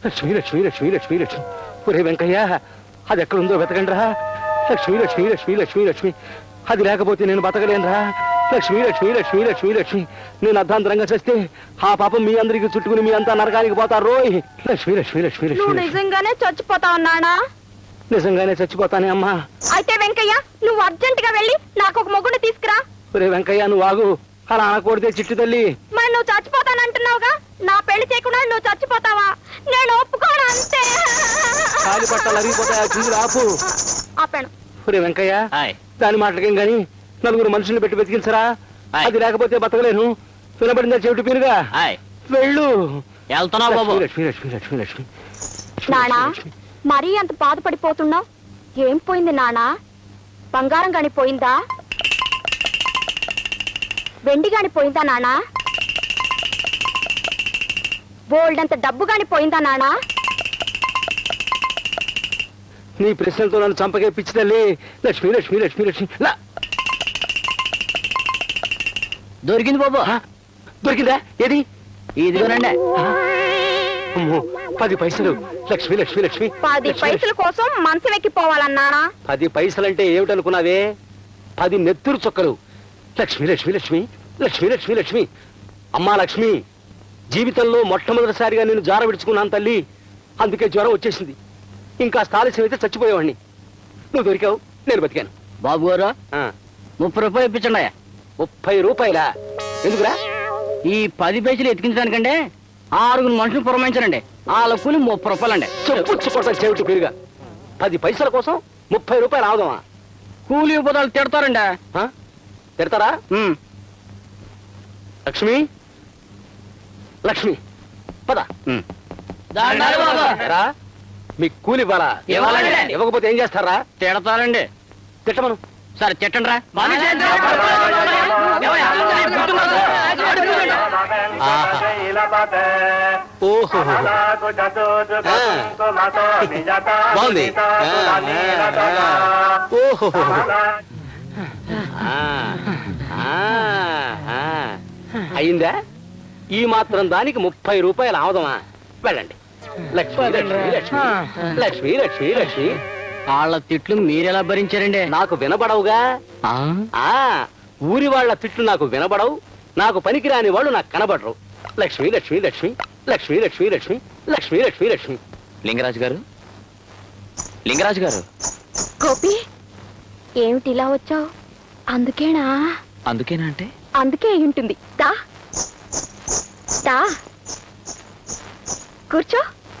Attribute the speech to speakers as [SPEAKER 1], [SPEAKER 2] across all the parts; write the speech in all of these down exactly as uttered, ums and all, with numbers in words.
[SPEAKER 1] లక్ష్మి లక్ష్మి లక్ష్మి లక్ష్మి లక్ష్మి ఒరే వెంకయ్య అది ఎక్కడుందో వెతకండి రా. లక్ష్మి లక్ష్మి లక్ష్మి లక్ష్మి లక్ష్మి అది లేకపోతే నేను బతకలేనురా. లక్ష్మి లక్ష్మి లక్ష్మి లక్ష్మి లక్ష్మి నేను అర్ధాంతరంగా చేస్తే ఆ పాపం మీ అందరికి చుట్టుకుని మీ అంతా నరకానికి పోతారు రోయ్. లక్ష్మి లక్ష్మి లక్ష్మి లక్ష్మి
[SPEAKER 2] నిజంగానే చచ్చిపోతావు నానా?
[SPEAKER 1] నిజంగానే చచ్చిపోతానే అమ్మా.
[SPEAKER 2] అయితే వెంకయ్య నువ్వు అర్జెంట్ గా వెళ్ళి నాకు ఒక మొగ్గుని తీసుకురా.
[SPEAKER 1] ఒరే వెంకయ్య నువ్వు ఆగు, అలా అనకూడదే చిట్టి తల్లి.
[SPEAKER 2] మరి నువ్వు చచ్చిపోతానంటున్నావుగా, నా పెళ్లి చేయకుండా నువ్వు చచ్చిపోతావా? నేను ఒప్పుకోను అంతే.
[SPEAKER 1] కాలి పట్టాలు అరిగిపోతాయా చిందులు ఆపు.
[SPEAKER 2] ఆపాను.
[SPEAKER 1] ఒరే వెంకయ్య దాని మాటలకేం గాని నలుగురు మనుషుల్ని పెట్టి వెతికించరా. అది లేకపోతే బతకలేను. వినబడిందా చెవిటి పీరుగా? వెళ్ళు. లక్ష్మి లక్ష్మి లక్ష్మి లక్ష్మి
[SPEAKER 2] నానా మరీ అంత బాధపడిపోతున్నావు? ఏం పోయింది నానా? బంగారం గాని పోయిందా? వెండి గాని పోయిందా నానా? బోల్డ్ అంత డబ్బు గాని పోయిందా నానా?
[SPEAKER 1] నీ ప్రశ్నలతో నన్ను చంపకే పిచ్చి తల్లి. లక్ష్మి లక్ష్మి లక్ష్మి లక్ష్మి
[SPEAKER 3] దొరికింది బాబు.
[SPEAKER 1] దొరికిందా? ఏది?
[SPEAKER 3] ఇదిగోనండి.
[SPEAKER 1] పది పైసలు. లక్ష్మి లక్ష్మి లక్ష్మి
[SPEAKER 2] పది పైసల కోసం మంచం ఎక్కిపోవాలన్నానా?
[SPEAKER 1] పది పైసలంటే ఏమిటనుకున్నావే? పది నెత్తురు చొక్కలు. లక్ష్మి లక్ష్మి లక్ష్మి లక్ష్మి లక్ష్మి లక్ష్మి అమ్మా లక్ష్మి, జీవితంలో మొట్టమొదటిసారిగా నేను జార విడుచుకున్నాను తల్లి. అందుకే జ్వరం వచ్చేసింది. ఇంకా ఆలస్యం అయితే చచ్చిపోయేవాడిని. నువ్వు దొరికావు, నేను బతికాను.
[SPEAKER 3] బాబు గారు ముప్పై రూపాయలు ఇప్పించండి.
[SPEAKER 1] ముప్పై రూపాయలా? ఎందుకురా?
[SPEAKER 3] ఈ పది పైసలు ఎత్తికించడానికంటే ఆరుగురు మనుషులు పురమాయించారండి. వాళ్ళ కూలి ముప్పై రూపాయలండి.
[SPEAKER 1] చెప్పుచ్చుకోవటం చెవిటి పెరుగా. పది పైసల కోసం ముప్పై రూపాయలు ఆగుదామా?
[SPEAKER 3] కూలి పోతాలు తిడతారండి.
[SPEAKER 1] తిడతారా? లక్ష్మి లక్ష్మి పద. మీకు కూలి ఇవ్వాలా? ఇవ్వకపోతే ఏం చేస్తారా?
[SPEAKER 3] తిడతారండి.
[SPEAKER 1] తిట్టమను.
[SPEAKER 3] సరే తిట్టండి రా.
[SPEAKER 1] ఓహో బాగుంది. ఓహో అయిందా? ఈ మాత్రం దానికి ముప్పై రూపాయలు ఆవదమా? వెళ్ళండి. లక్ష్మి లక్ష్మి లక్ష్మి లక్ష్మి లక్ష్మి లక్ష్మి
[SPEAKER 3] వాళ్ళ తిట్లు మీరెలా భరించారండి?
[SPEAKER 1] నాకు వినబడవుగా. ఆ ఊరి వాళ్ళ తిట్లు నాకు వినబడవు. నాకు పనికిరాని వాళ్ళు నాకు కనబడరు. లక్ష్మి లక్ష్మి లక్ష్మి లక్ష్మి లక్ష్మి లక్ష్మి లక్ష్మి లక్ష్మి లక్ష్మి
[SPEAKER 4] లింగరాజు గారు, లింగరాజు గారు.
[SPEAKER 2] గోపి ఏమిటి ఇలా వచ్చావు? అందుకేనా?
[SPEAKER 4] అందుకేనా అంటే?
[SPEAKER 2] అందుకే అయి ఉంటుంది. దా దా కూర్చో.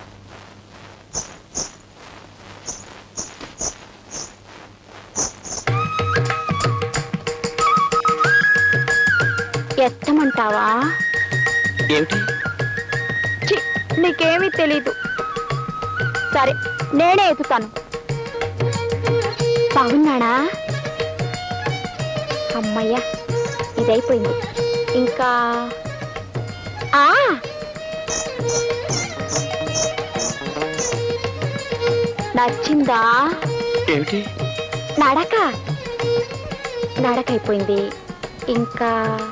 [SPEAKER 2] ఎత్తమంటావా?
[SPEAKER 4] ఏమిటి?
[SPEAKER 2] నీకేమీ తెలీదు. సరే నేనే ఎత్తుతాను. బాగున్నాడా? అమ్మయ్యా ఇదైపోయింది. ఇంకా ఆ నచ్చిందా?
[SPEAKER 4] ఏమిటి?
[SPEAKER 2] నడక నడక అయిపోయింది. ఇంకా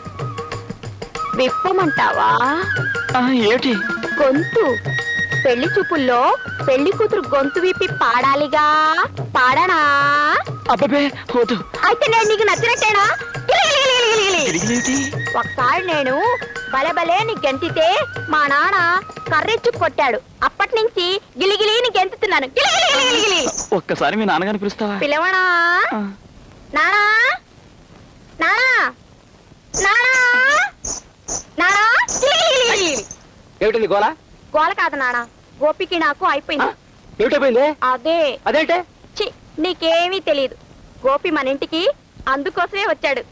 [SPEAKER 2] విప్పమంటావా?
[SPEAKER 4] ఏమిటి?
[SPEAKER 2] గొంతు. పెళ్లి చూపుల్లో పెళ్లి కూతురు గొంతు విప్పి పాడాలిగా. పాడనా?
[SPEAKER 4] అబ్బే వద్దు.
[SPEAKER 2] అయితే నేను నీకు నచ్చినట్టేనా? ఒకసారి నేను బలబలే నీ గెంతితే మా నాన్న కర్రెచ్చు కొట్టాడు. అప్పటి నుంచి గిలిగిలి నీ గెంతుతున్నాను.
[SPEAKER 4] ఒక్కసారి మీ నాన్నగారిని పిలుస్తావా?
[SPEAKER 2] పిలవనా? నానా నానా నానా నానా.
[SPEAKER 1] ఏమిటండి గోల?
[SPEAKER 2] గోల కాదు నానా, గోపికి నాకు అయిపోయింది.
[SPEAKER 1] ఏమిటైపోయింది?
[SPEAKER 2] అదే
[SPEAKER 1] అదేంటే?
[SPEAKER 2] చి నీకేమీ తెలియదు. గోపి మన ఇంటికి అందుకోసమే వచ్చాడు.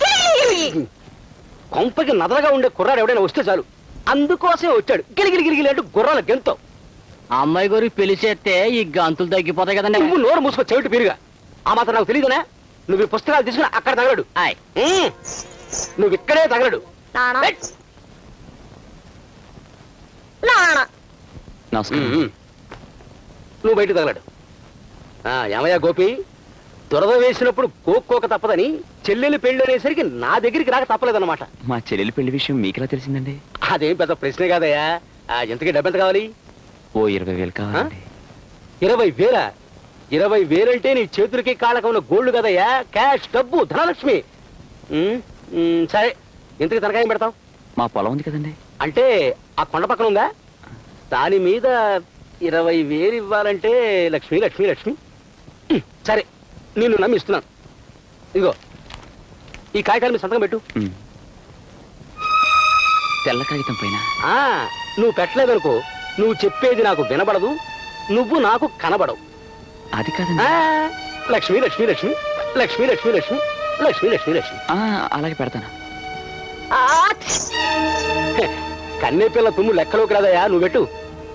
[SPEAKER 1] కొంపకి నదరగా ఉండే కుర్రాడు ఎవడైనా వస్తే చాలు అందుకోసమే వచ్చాడు. గిలిగిలి గిలిగిలి అంటూ గుర్రాల గెంతో.
[SPEAKER 3] ఆ అమ్మాయి గారు పెళ్లి చేస్తే ఈ గంతులు తగ్గిపోతాయి కదండి.
[SPEAKER 1] నువ్వు నోరు మూసుకో చెవిటి పీరుగా. ఆ మాత్రం నాకు తెలియదునా? నువ్వు ఈ పుస్తకాలు తీసుకుని అక్కడ తగలడు. నువ్వు ఇక్కడే తగలడు. నువ్వు బయట తగలడు. ఏమయ్యా గోపి, దురద వేసినప్పుడు కోక్కోక తప్పదని చెల్లెలు పెళ్లి అనేసరికి నా దగ్గరికి రాక తప్పలేదన్నమాట.
[SPEAKER 4] మా చెల్లెలి పెళ్లి విషయం మీకెలా తెలిసిందండి?
[SPEAKER 1] అదేం పెద్ద ప్రశ్నే కాదయ్యా. ఎంతకీ డబ్బెంత కావాలి?
[SPEAKER 4] ఓ ఇరవై వేలు కావాలండి.
[SPEAKER 1] ఇరవై వేల ఇరవై వేలంటే నీ చేతులకి కాళ్ళకు ఉన్న గోల్డ్ కదయ్యా, క్యాష్, డబ్బు, ధనలక్ష్మి. ఉమ్, ఉమ్, సరే ఇంతకి తనకాయం పెడతాం.
[SPEAKER 4] మా పొలం ఉంది కదండి.
[SPEAKER 1] అంటే ఆ కొండ పక్కన ఉందా? దాని మీద ఇరవై వేలు ఇవ్వాలంటే లక్ష్మి లక్ష్మి లక్ష్మి ఉమ్, సరే నిన్ను నమ్మిస్తున్నాను. ఇదిగో ఈ కాగితాలు మీద సంతకం పెట్టు.
[SPEAKER 4] ఉమ్. తెల్ల కాగితం పైన
[SPEAKER 1] ఆ నువ్వు పెట్టలేదనుకో, నువ్వు చెప్పేది నాకు వినబడదు, నువ్వు నాకు కనబడవు.
[SPEAKER 4] అది కాదండి.
[SPEAKER 1] ఆ, లక్ష్మి లక్ష్మి లక్ష్మి లక్ష్మి లక్ష్మి లక్ష్మి లక్ష్మి లక్ష్మి లక్ష్మి
[SPEAKER 4] ఆ, అలాగే పెడతాను.
[SPEAKER 1] కన్నే పిల్ల తుమ్ము లెక్కలోకి రాదయా, నువ్వు పెట్టు.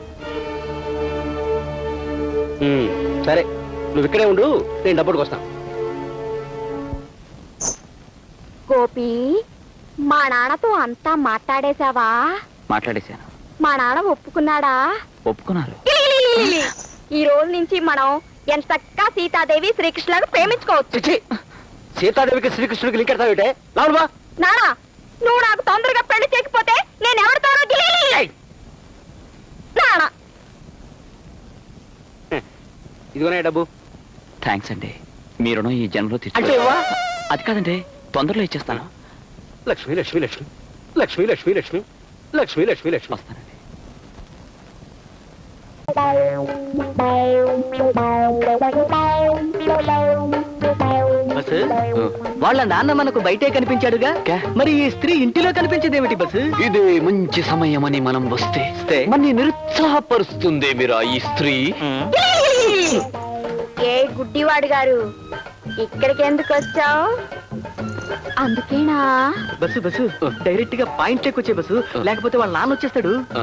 [SPEAKER 1] ఉమ్, సరే నువ్వు ఇక్కడే ఉండు, నేను డబ్బుడికి వస్తాను.
[SPEAKER 2] గోపి, మా నాన్నతో అంతా మాట్లాడేశావా?
[SPEAKER 4] మాట్లాడేశాను.
[SPEAKER 2] మా నాన్న ఒప్పుకున్నాడా?
[SPEAKER 4] ఒప్పుకున్నారు.
[SPEAKER 2] ఈ రోజు నుంచి మనం ఎంతక్క సీతాదేవి శ్రీకృష్ణులను ప్రేమించుకోవచ్చు.
[SPEAKER 1] చిచ్చి, సీతాదేవికి శ్రీకృష్ణుడికి లింక్ ఎడతావిటే లావుడువా.
[SPEAKER 2] నానా, నువ్వు నాకు తొందరగా పెళ్లి చేయకపోతే నేను ఎవరితోనో గిలి- నానా,
[SPEAKER 1] ఇదిగోనే డబ్బు.
[SPEAKER 4] థ్యాంక్స్ అండి, మీ రుణం ఈ జన్మలో
[SPEAKER 1] అంటే
[SPEAKER 4] తీర్చుకో.
[SPEAKER 1] ఇవ్వా?
[SPEAKER 4] అది కాదండి, తొందరలో ఇచ్చేస్తాను.
[SPEAKER 1] లక్ష్మి లక్ష్మి లక్ష్మి లక్ష్మి లక్ష్మి లక్ష్మి లక్ష్మి లక్ష్మి లక్ష్మి
[SPEAKER 4] వస్తానండి.
[SPEAKER 3] బస్సు, వాళ్ళ నాన్న మనకు బయటే కనిపించాడుగా,
[SPEAKER 4] కే?
[SPEAKER 3] మరి ఈ స్త్రీ ఇంటిలో కనిపించేదేమిటి బస్సు?
[SPEAKER 4] ఇదే మంచి సమయమని మనం వస్తే
[SPEAKER 3] వస్తే?
[SPEAKER 4] మన్ని నిరుత్సాహపరుస్తుంది మీరా ఈ స్త్రీ.
[SPEAKER 2] ఏ గుడ్డివాడు గారు, ఇక్కడికి ఎందుకు వచ్చావు? అందుకేనా?
[SPEAKER 3] బస్సు బస్సు డైరెక్ట్ గా పాయింట్ చెక్కొచ్చే బస్సు, లేకపోతే వాళ్ళ నాన్న వచ్చేస్తాడు.
[SPEAKER 4] ఆ.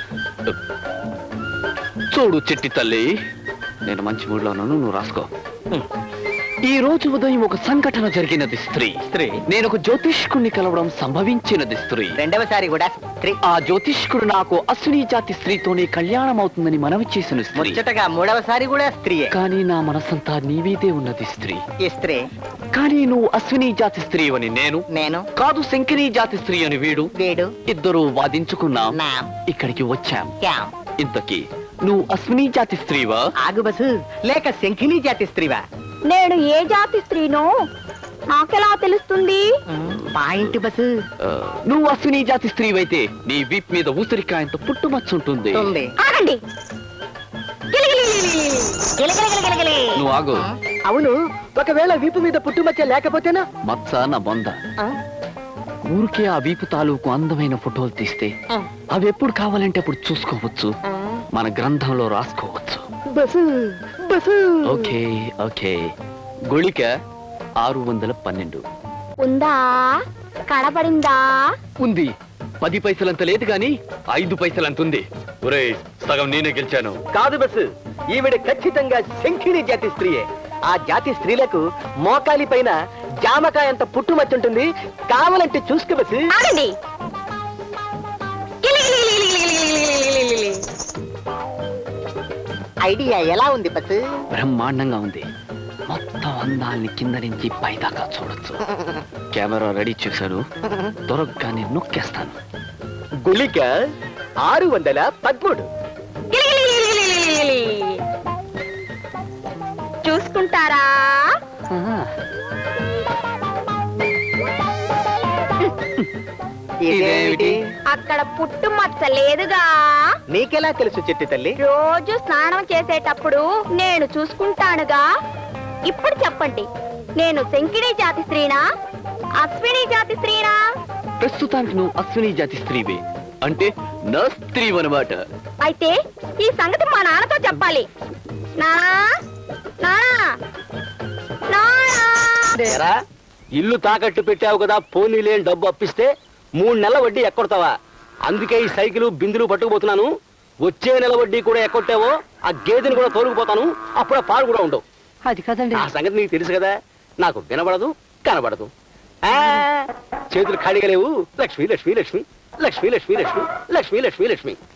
[SPEAKER 4] చూడు చిట్టి తల్లి, నేను మంచి మూడ్లో ఉన్నాను, నువ్వు రాసుకో. ఈ రోజు ఉదయం ఒక సంఘటన జరిగినది స్త్రీ.
[SPEAKER 3] స్త్రీ
[SPEAKER 4] నేను ఒక జ్యోతిష్కుడిని కలవడం సంభవించినది స్త్రీ.
[SPEAKER 3] రెండవసారి కూడా స్త్రీ.
[SPEAKER 4] ఆ జ్యోతిష్కుడు నాకు అశ్విని జాతి స్త్రీతోనే కళ్యాణం అవుతుందని మనవి చేసిన స్త్రీ.
[SPEAKER 3] ముచ్చటగా మూడవసారి కూడా స్త్రీయే.
[SPEAKER 4] కానీ నా మనసంతా నీవీదే ఉన్నది స్త్రీ.
[SPEAKER 3] ఈ స్త్రీ
[SPEAKER 4] కానీ నువ్వు అశ్విని జాతి స్త్రీ అని నేను,
[SPEAKER 3] నేను
[SPEAKER 4] కాదు శంకిని జాతి స్త్రీ అని వీడు,
[SPEAKER 3] వీడు
[SPEAKER 4] ఇద్దరు వాదించుకున్నాం,
[SPEAKER 3] నా
[SPEAKER 4] ఇక్కడికి వచ్చాం.
[SPEAKER 3] క్యాం.
[SPEAKER 4] ఇంతకీ నువ్వు అశ్విని జాతి స్త్రీవా?
[SPEAKER 3] ఆగు బస్సు, లేక శంఖిని జాతి స్త్రీవా?
[SPEAKER 2] నేను ఏ జాతి స్త్రీనో నాకెలా తెలుస్తుంది?
[SPEAKER 3] పాయింట్ బస్సు
[SPEAKER 4] ఆ, నువ్వు అశ్విని జాతి స్త్రీవైతే నీ వీప్ మీద ఊసరికాయంత పుట్టుమచ్చుంటుంది.
[SPEAKER 3] ఉంది.
[SPEAKER 2] ఆగండి. గిలిగిలిగిలిగిలిగిలి. గిలిగిలిగిలిగిలిగిలి.
[SPEAKER 4] నువ్వు ఆగు.
[SPEAKER 3] అవును, ఒకవేళ వీపు మీద పుట్టుమచ్చ లేకపోతేనా?
[SPEAKER 4] మచ్చ నా బొంద. ఊరికే ఆ వీపు తాలూకు అందమైన ఫోటోలు తీస్తే అవి ఎప్పుడు కావాలంటే అప్పుడు చూసుకోవచ్చు, మన గ్రంథంలో రాసుకోవచ్చు.
[SPEAKER 3] Bus bus
[SPEAKER 4] okay okay. గుళిక ఆరు వందల పన్నెండు
[SPEAKER 2] ఉందా? కనబడిందా?
[SPEAKER 4] ఉంది. పది పైసలంత లేదు గాని ఐదు పైసలంత ఉంది. ఒరేయ్, సగం నేనే గెలిచాను.
[SPEAKER 3] కాదు బస్సు, ఈవిడ ఖచ్చితంగా శంఖిని జాతి స్త్రీయే. ఆ జాతి స్త్రీలకు మోకాలి పైన జామకాయ అంత పుట్టుమచ్చుంటుంది, కావాలంటే చూసుకో బస్సు.
[SPEAKER 2] ఆగండి. గిలిగిలిగిలిగిలిగిలిగిలిగిలిగిలిగిలిగిలిగిలి.
[SPEAKER 3] ఐడియా ఎలా ఉంది బస్సు?
[SPEAKER 4] బ్రహ్మాండంగా ఉంది. మొత్తం అందాల్ని కింద నుంచి పైదాకా చూడొచ్చు. కెమెరా రెడీ చేశాను, దొరకగానే నొక్కేస్తాను.
[SPEAKER 3] గుళిక ఆరు వందల పదమూడు.
[SPEAKER 2] గిలిగిలిగిలిగిలిగిలిగిలి. చూసుకుంటారా?
[SPEAKER 3] ఇదేమిటి?
[SPEAKER 2] అక్కడ పుట్టు మచ్చ లేదుగా.
[SPEAKER 3] నీకెలా తెలుసు చెట్టి తల్లి?
[SPEAKER 2] రోజు స్నానం చేసేటప్పుడు నేను చూసుకుంటానుగా. ఇప్పుడు చెప్పండి, నేను శంకిని జాతి స్త్రీనా, అశ్విని జాతి స్త్రీనా?
[SPEAKER 4] ప్రస్తుతానికి నువ్వు అశ్విని జాతి స్త్రీవే, అంటే నా స్త్రీ అనమాట.
[SPEAKER 2] అయితే ఈ సంగతి మా నాన్నతో చెప్పాలి. నానా, నానా, నానా.
[SPEAKER 1] ఏరా, ఇల్లు తాకట్టు పెట్టావు కదా, పోనీ లేని డబ్బు అప్పిస్తే మూడు నెలల వడ్డీ ఎక్కొడతావా? అందుకే ఈ సైకిల్ బిందులు పట్టుకుపోతున్నాను. వచ్చే నెల వడ్డీ కూడా ఎక్కొట్టావో ఆ గేదెని కూడా తోలుకుపోతాను, అప్పుడు ఆ పాలు కూడా ఉండవు.
[SPEAKER 3] అది కదండి.
[SPEAKER 1] ఆ సంగతి నీకు తెలుసు కదా, నాకు వినబడదు కనబడదు. ఆ, చేతులు ఖాళీగా లేవు. లక్ష్మి లక్ష్మి లక్ష్మి లక్ష్మి లక్ష్మి లక్ష్మి లక్ష్మి లక్ష్మి లక్ష్మి